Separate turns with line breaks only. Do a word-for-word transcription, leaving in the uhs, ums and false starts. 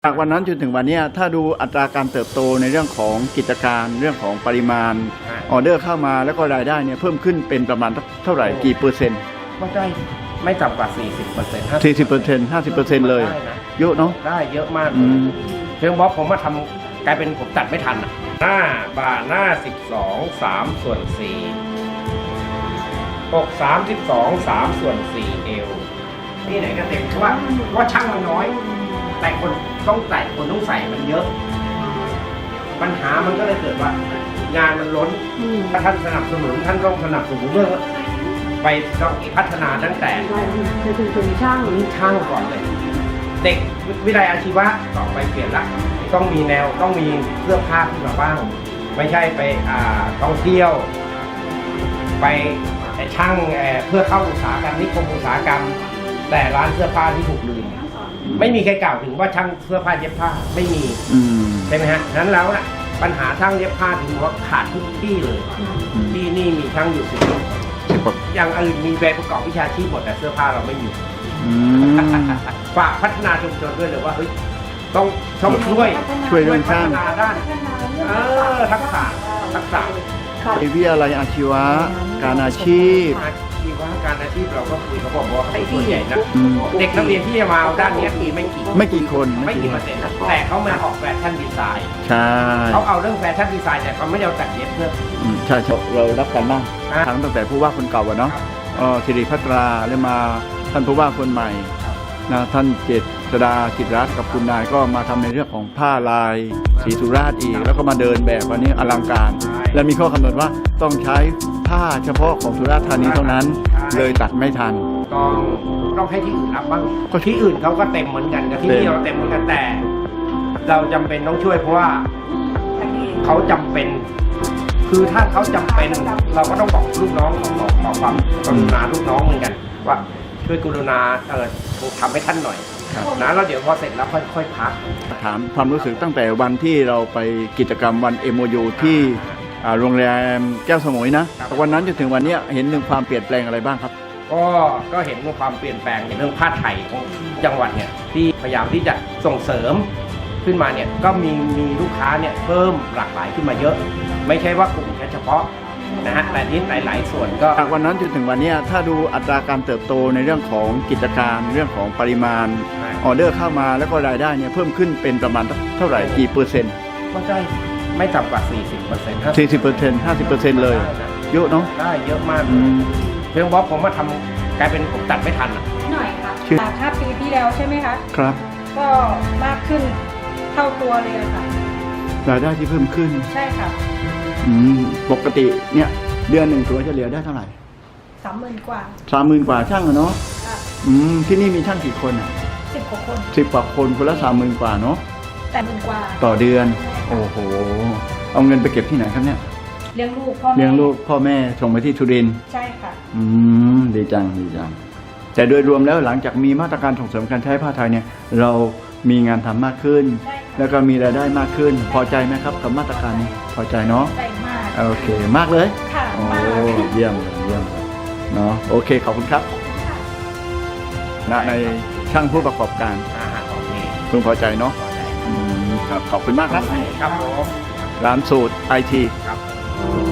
จากวันนั้นจนถึงวันนี้ถ้าดูอัตราการเติบโตในเรื่องของกิจการเรื่องของปริมาณออเดอร์เข้ามาแล้วก็รายได้เนี่ยเพิ่มขึ้นเป็นประมาณเท่าไหร่กี่เปอร์เซ็นต์
ก็ได้ไม่ต่ำกว่า สี่สิบเปอร์เซ็นต์
สี่สิบเปอร์เซ็นต์ ห้าสิบเปอร์เซ็นต์ เลยเยอะเนาะ
ได้เยอะมากเลยเพียงเพราะผมมาทำกลายเป็นผมตัดไม่ทันหน้าบ่าหน้าสิบสอง สามส่วนสี่อกสามสิบสอง สามส่วนสี่เอวที่ไหนก็เต็มเพราะว่าเพราะว่าช่างมันน้อยแต่คนต้องใส่คนต้องใส่มันเยอะปัญหามันก็เลยเกิดว่างานมันล้นถ้าท่านสนับสนุนท่านต้องสนับสนุนเรื่องไปต้องพัฒนาตั้งแต่
ถึงช่าง
ช่างก่อนเลยเด็กวิทยาลัยอาชีวะต่อไปเปลี่ยนละต้องมีแนวต้องมีเสื้อผ้าขึ้นมาบ้างไม่ใช่ไปอ่าท่องเที่ยวไปช่างเพื่อเข้าอุตสาหกรรมนิคมอุตสาหกรรมแต่ร้านเสื้อผ้าที่ถูกลืมไม่มีใครกล่าวถึงว่าช่างเสื้อผ้าเย็บผ้าไม่มีใช่ไหมฮะนั้นแล้วนะปัญหาช่างเย็บผ้าถึงว่าขาดทุกที่เลยที่นี่มีช่างอยู่สิบคนอย่างอื่นมีใบประกอบวิชาชีพหมดแต่เสื้อผ้าเราไม่มีฝากพัฒนาชุมชนด้วยเลยว่าเฮ้ยต้องต้องช่วย
ช่วยเรื่องช่าง
ด้านเออทักษะทักษะ
วิทยาลัยอาชีวะการอาชีพ
อาชีวะการอาชีพเราก็คุยเขาบอกว่าส่วนใหญ่นะเด็กนักเรียนที่จะมาด้านนี้มีไม่กี่
ไม่กี่คน
ไม่กี่เปอร์เซ็นต์แต่เขามาออกแฟชั่นดีไซน์
ใช่
เขาเอาเรื่องแฟชั่นดีไซน์แต่เขาไม่ได้เอาตัดเย็บเพื่อ
ใช่เรารับกันบ้างทั้งตั้งแต่ผู้ว่าคนเก่าเนาะสิริพัตราแล้วมาท่านผู้ว่าคนใหม่นะท่านเจษฎาจิตรัตน์กับคุณนายก็มาทำในเรื่องของผ้าลายสีสุราษฎร์อีกแล้วก็มาเดินแบบวันนี้อลังการและมีข้อกำหนดว่าต้องใช้ผ้าเฉพาะของสุราษฎร์ธานีเท่านั้นเลยตัดไม่ทัน
ต้องต้องให้ที่อื่นรับบ้างก็ที่อื่นเขาก็เต็มเหมือนกันกับที่นี่เราเต็มเหมือนกันแต่เราจำเป็นต้องช่วยเพราะว่าเขาจำเป็นคือถ้าเขาจำเป็นเราก็ต้องบอกลูกน้องขอขอความกรุณาลูกน้องเหมือนกันว่าช่วยกรุณาเออทำให้ท่านหน่อยนะแล้วเดี๋ยวพอเสร็จแล้วค่อยๆพัก
ถามความรู้สึกตั้งแต่วันที่เราไปกิจกรรมวัน เอ็ม โอ ยู ที่โรงแรมแก้วสมุยนะวันนั้นจนถึงวันนี้เห็นถึงความเปลี่ยนแปลงอะไรบ้างครับ
ก็ก็เห็นความเปลี่ยนแปลงในเรื่องผ้าไทยของจังหวัดเนี่ยที่พยายามที่จะส่งเสริมขึ้นมาเนี่ยก็มีมีลูกค้าเนี่ยเพิ่มหลากหลายขึ้นมาเยอะไม่ใช่ว่ากลุ่มแค่เฉพาะนะฮะแต่ที่หลายๆส่วนก็
จากวันนั้นจนถึงวันนี้ถ้าดูอัตราการเติบโตในเรื่องของกิจการเรื่องของปริมาณออเดอร์เข้ามาแล้วก็รายได้เนี่ยเพิ่มขึ้นเป็นประมาณเท่าไหร่กี่เปอร์เซ็นต์
ก็ได้ไม่ต่ำกว่า สี่สิบเปอร์เซ็นต์
สี่สิบเปอร์เซ็นต์ ห้าสิบเปอร์เซ็นต์ เลยเยอะเนาะ
ได้เยอะมากเพียงเพราะผมมาทำกลายเป็นผมตัดไม่ทันอ่ะ
หน่อยค่ะจากห้าปีที่แล้วใช่ไหมคะ
ครับ
ก็มากขึ้นเท่าตัวเลยค่ะ
รายได้ที่เพิ่มขึ้น
ใช่ค่ะ
ปกติเนี่ยเดือนหนึ่งตัวจะเหลือได้เท่าไหร่
สามหมื่นกว่า
สามหมื่นกว่าช่างเนาะอืมที่นี่มีช่างกี่คนอ่ะ
สิบกว่าคน
สิบกว่าคนคนละสามหมื่นกว่าเนาะ
แต่หมื่นกว่า
ต่อเดือนโอ้โหเอาเงินไปเก็บที่ไหนครับเนี่ย
เลี้ยงลูกพ่อแม่
เลี้ยงลูกพ่อแม่ส่งไปที่สุรินทร์
ใช่ค่ะ
อืมดีจังดีจังแต่โดยรวมแล้วหลังจากมีมาตรการส่งเสริมการใช้ผ้าไทยเนี่ยเรามีงานทำมากขึ้นแล้วก็มีรายได้มากขึ้นพอใจไหมครับกับมาตรการนี้พอใจเนาะ
ใจมาก
โอเคมากเลย
ค่ะ
โอ้เยี่ยมเยี่ยมเนาะโอเคขอบคุณครับณในช่างผู้ประกอบการคุณพอใจเนาะครับขอบคุณมากครับ
ครับผม
ร้านสูตรไอที
ครับ